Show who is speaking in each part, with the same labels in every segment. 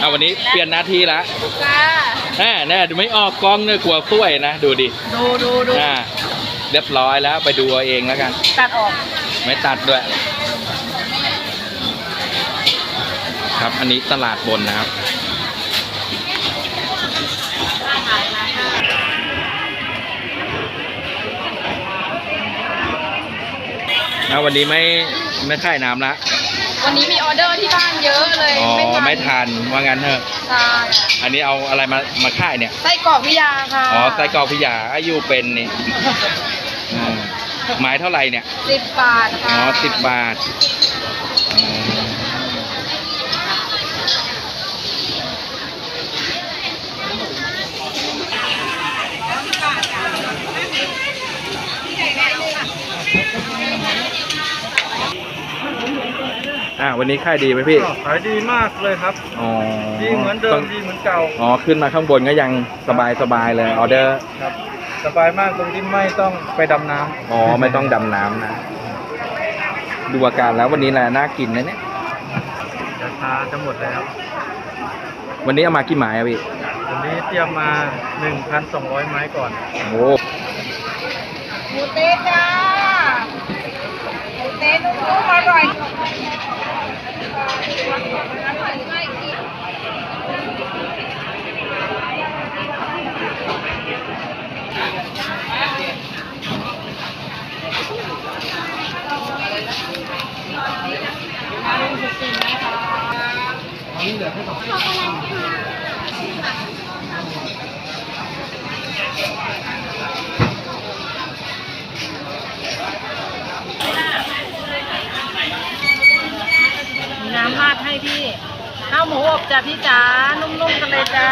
Speaker 1: เอาวันนี้เปลี่ยนหน้าที่ละ
Speaker 2: จ้า
Speaker 1: แน่ดูไม่ออกกล้องเนี่ยกลัวซวยนะดูดิ
Speaker 2: ดู
Speaker 1: เรียบร้อยแล้วไปดูเอาเองแล้วกัน
Speaker 2: ตัดออก
Speaker 1: ไม่ตัดด้วยครับอันนี้ตลาดบนนะครับวันนี้ไม่ค่ายน้ำละ
Speaker 2: วันนี้มีออเดอร์ที่บ้านเยอะเลย
Speaker 1: ไม่ทันว่างั้นเถอะ
Speaker 2: ใช่
Speaker 1: อันนี้เอาอะไรมาค่ายเนี่ย
Speaker 2: ไส้กรอกพิยาค่ะ
Speaker 1: ไส้กรอกพิยาอายุเป็นนี่ไม้เท่าไหร่เนี่ย
Speaker 2: 10 บาทค่ะ
Speaker 1: 10 บาทวันนี้ค่ายดีไหมพี่
Speaker 3: ขายดีมากเลยครับดีเหมือนเดิมดีเหมือนเก่า
Speaker 1: ขึ้นมาข้างบนก็ยังสบายเลยออเดอร์
Speaker 3: ครับสบายมากตรงที่ไม่ต้องไปดำน้
Speaker 1: ำไม่ต้องดำน้ำนะดูอาการแล้ววันนี้แหละน่ากินนะเนี่ย
Speaker 3: จะหมดแล้ว
Speaker 1: วันนี้เอามากี่ไม้พี่
Speaker 3: วันนี้เตรียมมา 1,200 ไม้ก่อน
Speaker 1: โอ้
Speaker 2: หมูเต๊ะจ้าหมูเต๊ะนุ่มๆอร่อยน้ำราดให้พี่ข้าวหมูอบจ้ะพี่จ๋านุ่มๆกันเลยจ้า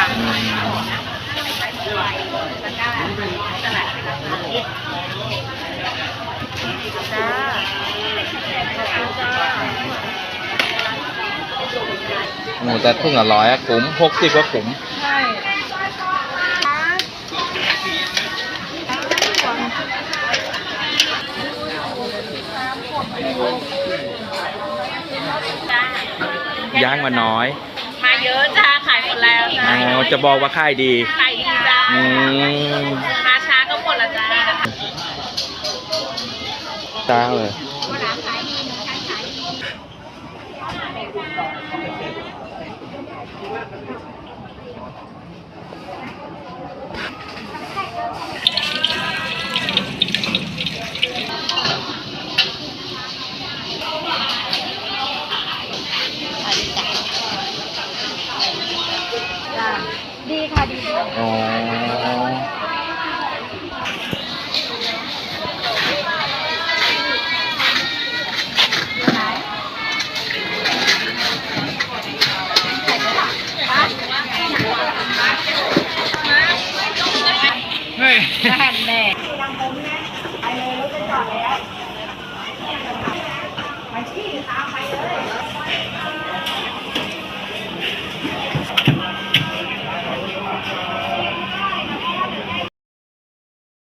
Speaker 1: แต่ทุ่งละ100ขุม60ก็ขุม
Speaker 2: ใช่
Speaker 1: ย่างมาน้อย
Speaker 2: มาเยอะจ้าขายหมดแล้วจ้า
Speaker 1: จะบอกว่าค่ายดี
Speaker 2: ขายดีจ้ามาช้าก็หมดละจ้า
Speaker 1: ช้าเลย
Speaker 2: ดีค่ะดี
Speaker 1: เฮ้ย
Speaker 2: แน่แน่ไป